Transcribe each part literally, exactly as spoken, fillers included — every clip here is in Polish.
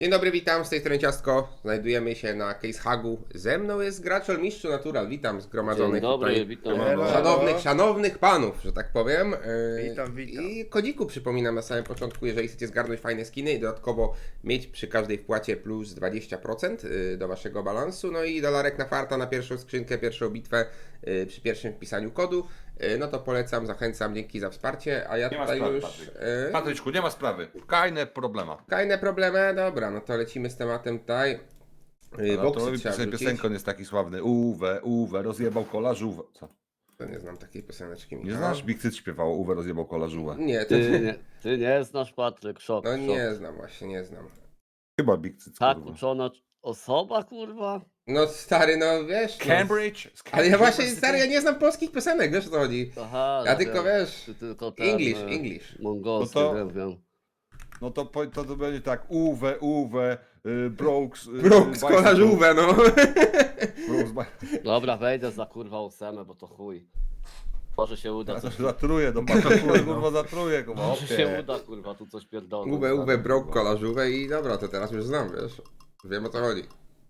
Dzień dobry, witam, z tej strony Ciastko. Znajdujemy się na Case Hagu. Ze mną jest gracz Mistrzu Natural. Witam zgromadzonych Dzień dobry, tutaj witam. Hello. szanownych, szanownych panów, że tak powiem. Yy, Witam, witam. I kodziku przypominam na samym początku, jeżeli chcecie zgarnąć fajne skiny i dodatkowo mieć przy każdej wpłacie plus dwadzieścia procent yy, do waszego balansu, no i dolarek na farta na pierwszą skrzynkę, pierwszą bitwę yy, przy pierwszym wpisaniu kodu, yy, no to polecam, zachęcam, dzięki za wsparcie, a ja Nie ma tutaj sprawy, już... Patryk. Yy, Patryczku, nie ma sprawy. Kajne problema. Kolejne problemy, dobra, no to lecimy z tematem tutaj. Yy, No boksy to trzeba piosen, wrzucić. piosenką jest taki sławny. Uwe, Uwe, rozjebał kola żółwę. Co? To nie znam takiej pioseneczki. Nie Michał. znasz? Big Cyt śpiewało Uwe, rozjebał kola żółwę. Nie, to Ty nie, ty nie znasz, Patryk, szok, no szok. nie znam właśnie, nie znam. Chyba Big Cyt, Tak kurwa. uczona osoba, kurwa? No stary, no wiesz. No, Cambridge? Z ale ja Cambridge właśnie, University? stary, ja nie znam polskich piosenek, wiesz o co chodzi. Aha, Ja no tylko wiem, wiesz, ty tylko ten, English, e, English. Mongolski, No to- wiem, wiem. No to, po- to, to będzie tak. Uwe, Uwe, y, Brooks. Y, Brooks, Bicycle. kola żółwę, no. Brooks, Bi- Dobra, wejdę za kurwa ósemę, bo to chuj. Może się uda Ja coś, to zatruję, do patrzyłem, kurwa zatruję, kurwa. może się okej. uda, kurwa, tu coś pierdolę. Uwe, uwe, brok, kola żółwę i dobra, to teraz już znam, wiesz. Wiem o co chodzi.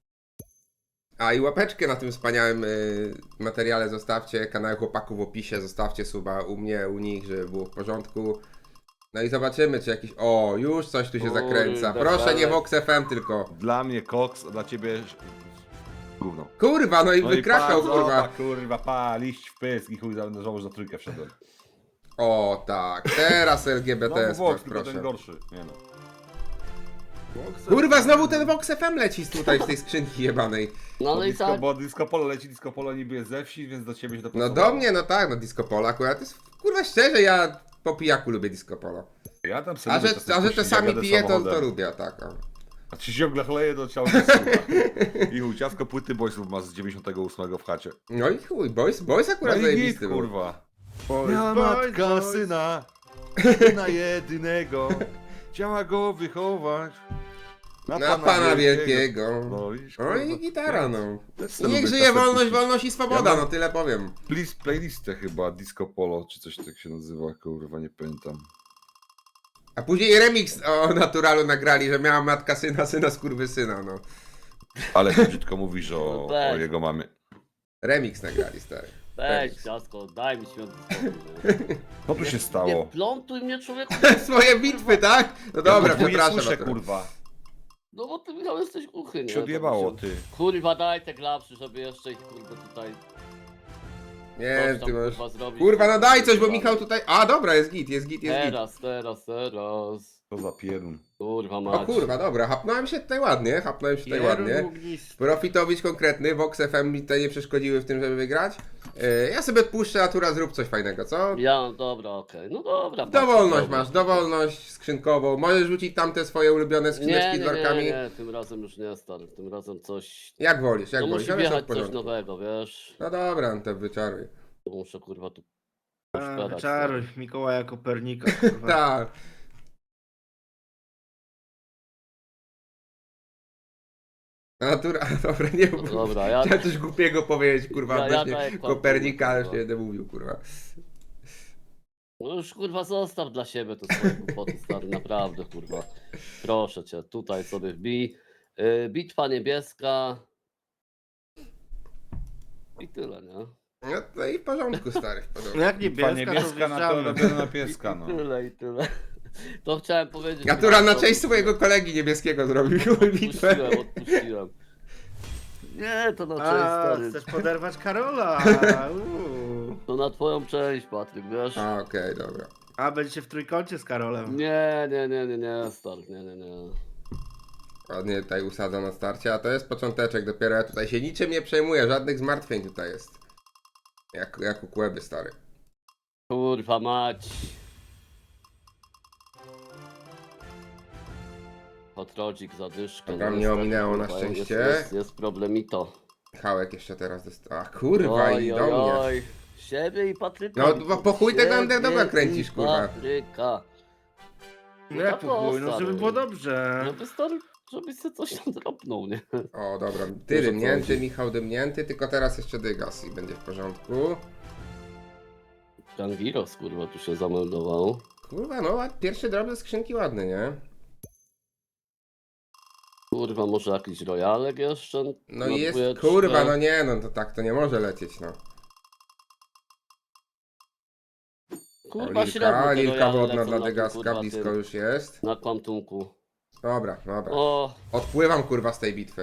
A i łapeczkę na tym wspaniałym y, materiale zostawcie, kanał chłopaków w opisie, zostawcie suba u mnie, u nich, żeby było w porządku. No i zobaczymy, czy jakiś... O, już coś tu się Kurde, zakręca. Proszę, nie ale- Vox F M tylko. Dla mnie koks, a dla ciebie... Gówno. Kurwa, no i No i wykrakał, pa, kurwa. zobacz, kurwa, pa, liść w pysk i chuj, za- żałuję, że za trójkę wszedłem. O tak, teraz L G B T, No Vox, tylko proszę. ten gorszy. Nie no. Kurwa, znowu ten Vox F M leci z tutaj, z tej skrzynki jebanej. No, Bo no i disco, tak, bo disco polo leci, disco polo niby jest ze wsi, więc do ciebie się to No pasowało. do mnie, no tak, no disco polo akurat, to jest, kurwa szczerze, ja po pijaku lubię disco polo. Ja tam sobie A że, lubię czasem a że puścić, czasami jak jadę piję, to, to samochodem. lubię, tak. O. A ci ciągle chleje do ciała nie I chuj, ciasko płyty Boysów ma z dziewięćdziesiątego ósmego w chacie. No i chuj, boys, boys No akurat i zajebisty git, był. kurwa. Boys, Miała boys, matka boys. syna, syna jedynego, chciała go wychować. Na pana wielkiego. No widzisz, No kurwa. i gitara, no. Też I sobie niech lubię żyje czasem wolność, puścić. wolność i swoboda, Ja mam- no tyle powiem. Please playlistę chyba, disco polo, czy coś tak się nazywa, kurwa, nie pamiętam. A później remix o Naturalu nagrali, że miała matka syna, syna skurwysyna, no. Ale ty brzydko mówisz o, No weź. o jego mamie. Remix nagrali, stary. weź, ciasko, daj mi święty spokój. nie? Co tu się Nie stało? plątuj mnie, człowieku. Swoje bitwy, tak? No dobra, Ja podwójnie przepraszam. słyszę, akurat. kurwa. No bo ty, Michał, jesteś głuchy, nie? Się odjebało, To ty. Kurwa, daj te klapsy, żeby jeszcze ich, kurde, tutaj... Nie, coś tam, ty możesz... kurwa, zrobić. Kurwa, no daj coś, bo Kurwa. Michał tutaj... A, dobra, jest git, jest git, jest git. Teraz, teraz, teraz. To za pierdun. Kurwa, O mać. kurwa, dobra, hapnąłem się tutaj ładnie, hapnąłem się tutaj ładnie. Kierownik. Profitowicz konkretny, Vox F M mi tutaj nie przeszkodziły w tym, żeby wygrać. Yy, ja sobie odpuszczę, Natura, zrób coś fajnego, co? Ja, dobra, okej, no dobra. Dowolność dobra. masz, dowolność skrzynkową. Możesz rzucić tamte swoje ulubione Nie, skrzyneczki nie, z nie, workami. nie, tym razem już nie, stary, tym razem coś... Jak wolisz, jak No wolisz, musi ale są w wjechać coś porządku. nowego, wiesz? No dobra, no to wyczaruj. Muszę, kurwa, tu... A, poszperać, Czaruj, Mikołaja Kopernika, kurwa. Tak. Natura, dobra, nie No mów. dobra, ja- Chciałem coś głupiego powiedzieć, kurwa, Ja- ja odnośnie tak jak pan Kopernika, ale kurwa. się nie będę mówił, kurwa. No już, kurwa, zostaw dla siebie to swoje głupoty, stary, naprawdę, kurwa. Proszę cię, tutaj sobie wbij. Yy, bitwa niebieska. I tyle, nie? No to i w porządku, stary, w porządku. No jak Bitwa niebieska, to niebieska na to wjeżdżamy. robione na pieska, no. I tyle, i tyle. To chciałem powiedzieć. Natura na to- cześć swojego kolegi niebieskiego zrobił bitwę. Odpuściłem, odpuściłem. Nie, to na cześć, A, stary. chcesz poderwać Karola. Uuu. To na twoją cześć, Patryk, wiesz? A, okej, dobra. A, będziecie w trójkącie z Karolem. Nie, nie, nie, nie, nie, stary, nie, nie, nie. Ładnie tutaj usadza na starcie, a to jest począteczek, dopiero ja tutaj się niczym nie przejmuję, żadnych zmartwień tutaj jest. Jak, jak u Kłeby, stary. Kurwa mać. Patrodzik, zadyszkę. Dobra, no mnie niestety, ominęło na kurwa, szczęście. Jest, jest, jest problemito. Hałek jeszcze teraz dostał. A kurwa, i do mnie. oj. Siebie i Patryka. No, bo po chuj tego Siebie underdoga i kręcisz, kurwa. Patryka. No jak to po chuj, no stary. żeby było dobrze. Żeby stary, żebyś sobie coś tam dropnął, nie? O, dobra, ty Wiesz, o co dymnięty, chodzi. Michał dymnięty, tylko teraz jeszcze dygas i będzie w porządku. Gangiros, kurwa, tu się zameldował. Kurwa, no, ład- pierwszy drop ze skrzynki ładny, nie? Kurwa, może jakiś rojalek jeszcze? No na i jest, dwójeczkę? kurwa, no nie, no to tak to nie może lecieć, no. Kurwa, O, średnio Lilka, te Lilka rojale wodna lecą dla na tym, Degaska, kurwa, blisko tym, już jest. Na kwantunku. Dobra, dobra. O, Odpływam, kurwa, z tej bitwy.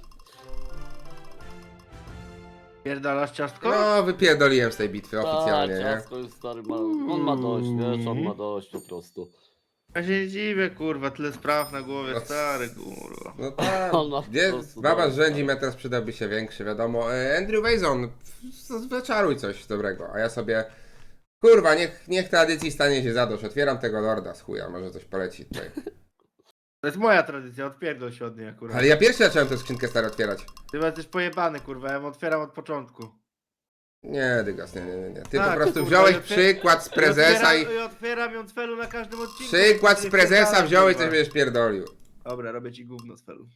Pierdalasz ciastko? No, wypierdoliłem z tej bitwy oficjalnie, tak, nie? ciasko już stary ma, on ma dość, wiesz, on ma dość po prostu. Ja się nie dziwię, kurwa, tyle spraw na głowie, No, stary, kurwa. No tak, On ma po gdzie prostu baba dość, rządzi, tak. metras przydałby się większy, wiadomo. E, Andrew Wazon, wyczaruj coś dobrego, a ja sobie... Kurwa, niech, niech tradycji stanie się zadość. Otwieram tego lorda z chuja, może coś poleci tutaj. To jest moja tradycja, odpierdol się od niej akurat. Ale ja pierwszy zacząłem tę skrzynkę stary otwierać. Ty jesteś pojebany, kurwa, ja ją otwieram od początku. Nie, Dygas, nie, nie, nie, nie. Ty Tak, po prostu kurwa, wziąłeś i otwier- przykład z prezesa i... otwieram, i otwieram ją z felu na każdym odcinku. Przykład z Nie prezesa wpierdalaj, wziąłeś, kurwa. coś będziesz pierdolił. Dobra, robię ci gówno z felu.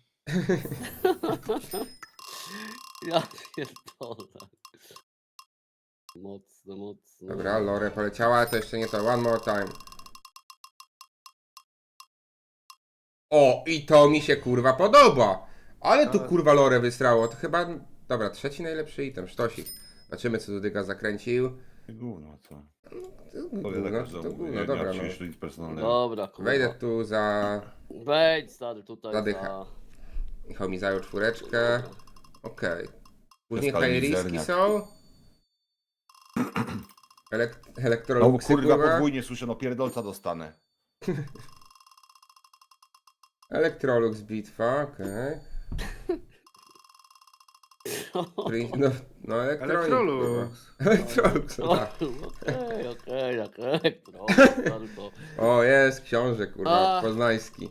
Ja pierdolę. Mocno, mocno. Dobra, Lore poleciała, to jeszcze nie to. One more time. O, i to mi się kurwa podoba. Ale tu Ale- kurwa Lore wystrało. To chyba... Dobra, trzeci najlepszy item, sztosik. Zobaczymy, co tu Dygas zakręcił. Gówno, co? Gówno, Powie tak to każdemu, gówno, nie dobra, miał no. się jeszcze nic personalnego. Dobra, kurwa. Wejdę tu za... Wejdź stary tutaj Zadycha. za... Michał mi zajął czwóreczkę. Okej. Później Skala high-riski mizerniak. są. Elek No Elektroluxy, kurwa, kurwa. podwójnie słyszę, no pierdolca dostanę. Elektrolux bitwa, okej. Prin- No, no elektronik. Elektrolux. kurwa. Elektrolux, no tak. Okej, okej, okej, trochę, stary, to... O, jest książę, kurwa, A. poznański.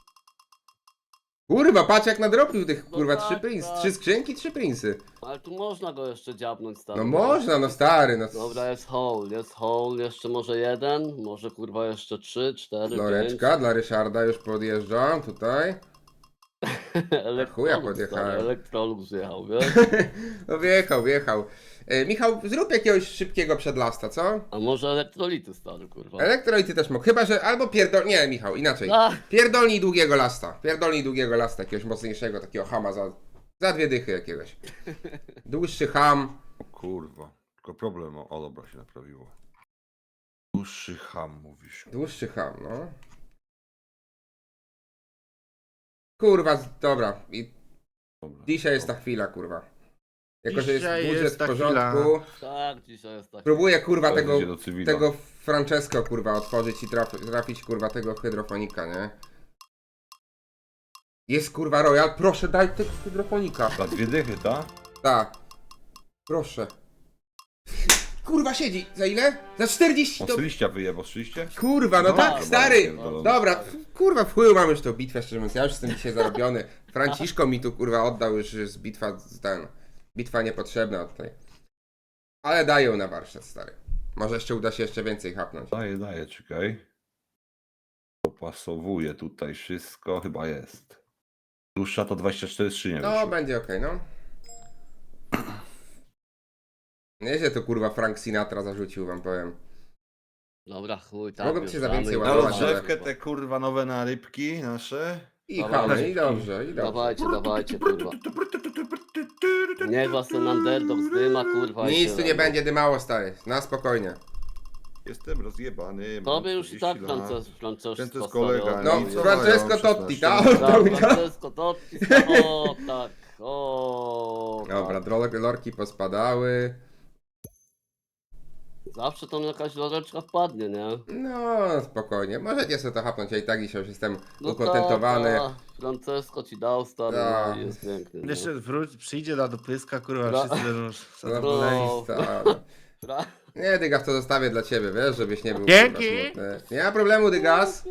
Kurwa, patrz jak nadrobił tych, No kurwa, tak, trzy prins, tak. trzy skrzynki, trzy prinsy. Ale tu można go jeszcze dziabnąć, stary. No można, no stary, no. Dobra, jest hole, jest hole, jeszcze może jeden, może kurwa jeszcze trzy, cztery, Loreczka dla Ryszarda już podjeżdżam tutaj. pięć. chuja podjechałem. stary, Elektrolux jechał, wiesz? No wjechał, wjechał. E, Michał, zrób jakiegoś szybkiego przedlasta, co? A może elektrolity, stary, kurwa. Elektrolity też mógł, chyba że albo pierdol... Nie, Michał, inaczej. A, Pierdolnij długiego lasta. Pierdolnij długiego lasta, jakiegoś mocniejszego, takiego hama za, za dwie dychy jakiegoś. Dłuższy ham. O kurwa, tylko problem, o, o dobra, się naprawiło. Dłuższy ham, mówisz. Dłuższy ham, no. Kurwa, z- dobra. I Dobra. dzisiaj jest ta chwila, kurwa. Jako, że jest Dzisiaj budżet jest w ta porządku. tak, dzisiaj jest tak. Próbuję, kurwa, Teraz tego, idzie do cywila. tego Francesco, kurwa, otworzyć i trafi, trafić, kurwa, tego hydrofonika, nie? Jest, kurwa, Royal. Proszę, daj tego hydrofonika. Za dwie dychy, ta? Tak. Proszę. Kurwa, siedzi. Za ile? Za czterdzieści to... On z liścia wyjebał, słyszeliście? Kurwa, no No, tak, dobra, stary. pierdolony. Dobra, f- kurwa, w chuju mam już tą bitwę, szczerze mówiąc. Ja już jestem dzisiaj zarobiony. Franciszko mi tu, kurwa, oddał już, że jest bitwa, ten... Bitwa niepotrzebna tutaj. Ale daję ją na warsztat, stary. Może jeszcze uda się jeszcze więcej chapnąć. Daję, daję, czekaj. Dopasowuję tutaj wszystko, chyba jest. Dłuższa to dwadzieścia cztery skrzynie. No, wyszły. będzie okej, no. Nieźle to, kurwa, Frank Sinatra zarzucił, wam powiem. Dobra, chuj, tak. Mogłem cię za wjeżdżamy więcej i Na ładować, wjeżdżamy, rozgrzewkę kurwa. te kurwa nowe narybki nasze. I Dobra, chamy, i dobra. dobrze, i dobrze. Dawajcie, dawajcie, kurwa. Niech was ten underdog zdyma, kurwa. i Nic tyle, tu nie no. będzie dymało, stary. Na spokojnie. Jestem rozjebany. mam Tobie już i tak czterdzieści lat. Frances, Francesco Francesco stary, kolega, oddał, No, i jest. co Francesco mają? Totti, szesnaście tak? lat. Oddał mi Tak, to. Francesco Totti, o tak, o Dobra, tak. drole- lorki pospadały. Zawsze tam jakaś loreczka wpadnie, nie? No, spokojnie. Możecie sobie to hapnąć, ja i tak dzisiaj już jestem No ukontentowany. tak, tak. Francesco ci dał stary, Tak. no i jest pięknie. No. Jeszcze wróć, przyjdzie na dopyska, kurwa, Bra- wszyscy będą Zadowoleni, No. stary. Fra- Nie, Dygas, to zostawię dla ciebie, wiesz, żebyś nie był Dzięki. kurwa, smutny. Nie ma problemu, Dygas.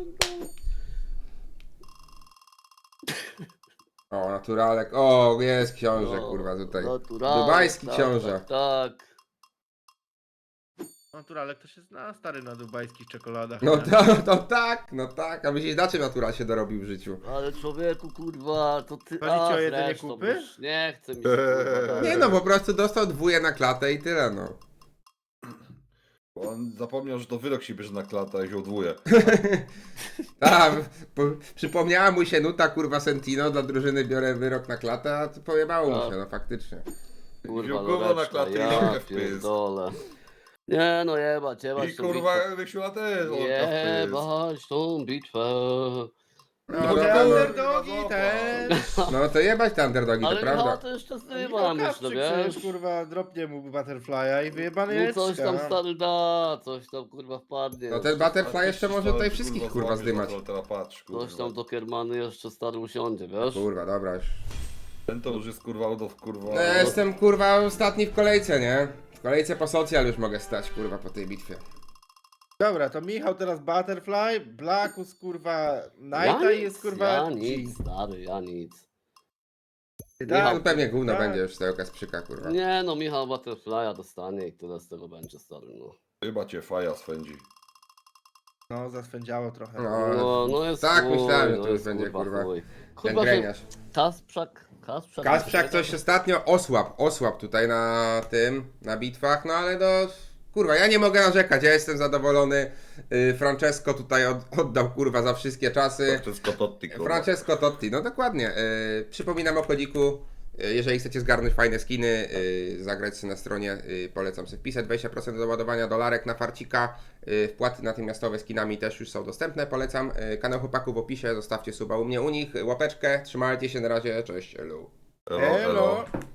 O, naturalek. O, jest książę, No, kurwa, tutaj. naturalnie, Dubajski tak, książę. Tak, tak. Naturalek to się zna, stary, na dubajskich czekoladach. No nie? to, to tak, no tak. A myślisz, na czym natural się dorobił w życiu? Ale człowieku, kurwa, to ty... Chodzi ci o jedzenie zresztą, kupy? już Nie chce mi się, kurwa, Nie no, po prostu dostał dwóje na klatę i tyle, no. On zapomniał, że to wyrok się bierze na klatę i się odwołuje. A, po, przypomniała mu się nuta, kurwa, Sentino, dla drużyny biorę wyrok na klatę, a to pojebało mu Tak. się, no faktycznie. Kurwa, Wziął gówno na Loreczka, klatę i ja lampkę w pysk. pierdolę. Nie no jebać, jebać I tą kurwa, bitwę. Wysiula też, Olka w pysk. Jebać tą bitwę. No, No, no, te no, underdogi no, też. no to jebać te underdogi, to Ale Michała prawda. to jeszcze Michał zdyma, myślę, Kawczyk wiesz? przecież, kurwa, dropnie mu Butterfly'a i wyjebany No coś tam Jeczka. stary da, coś tam kurwa wpadnie. No ten Butterfly jeszcze może tutaj wszystkich, kurwa, zdymać. Teraz patrz, kurwa. Coś tam do Kiermany jeszcze stary usiądzie, wiesz? Kurwa, dobra już. Ten to już jest kurwa out of kurwa. No ja jestem, kurwa, ostatni w kolejce, nie? W kolejce po socjal już mogę stać, kurwa, po tej bitwie. Dobra, to Michał teraz Butterfly, Blackus, kurwa, Ja Nighta i nic, jest, kurwa... ja nic, stary, ja nic. Ja, no pewnie gówno tak. będzie już z tego Kasprzyka, kurwa. Nie no, Michał Butterfly'a dostanie i tyle z tego będzie, stary, no. Chyba cię faja swędzi. No, zaswędziało trochę. No, No, no jest tak chuj, myślałem, że no to już jest, będzie, kurwa, chuj. ten Kurwa, że greniarz. Kasprzak, Kasprzak... Kasprzak coś ostatnio osłab, osłab tutaj na tym, na bitwach, no ale no, kurwa, ja nie mogę narzekać, ja jestem zadowolony. Y, Francesco tutaj od, oddał, kurwa, za wszystkie czasy. Wszystko Totti, kurwa. Francesco Totti, no dokładnie. Y, przypominam o kodiku. y, Jeżeli chcecie zgarnąć fajne skiny, y, zagrać sobie na stronie, y, polecam sobie wpisać dwadzieścia procent do ładowania dolarek na farcika. Y, wpłaty natychmiastowe skinami też już są dostępne, polecam. Y, kanał chłopaków w opisie, zostawcie suba u mnie, u nich, łapeczkę, trzymajcie się, na razie, cześć, elu. Elo, elo. Elo.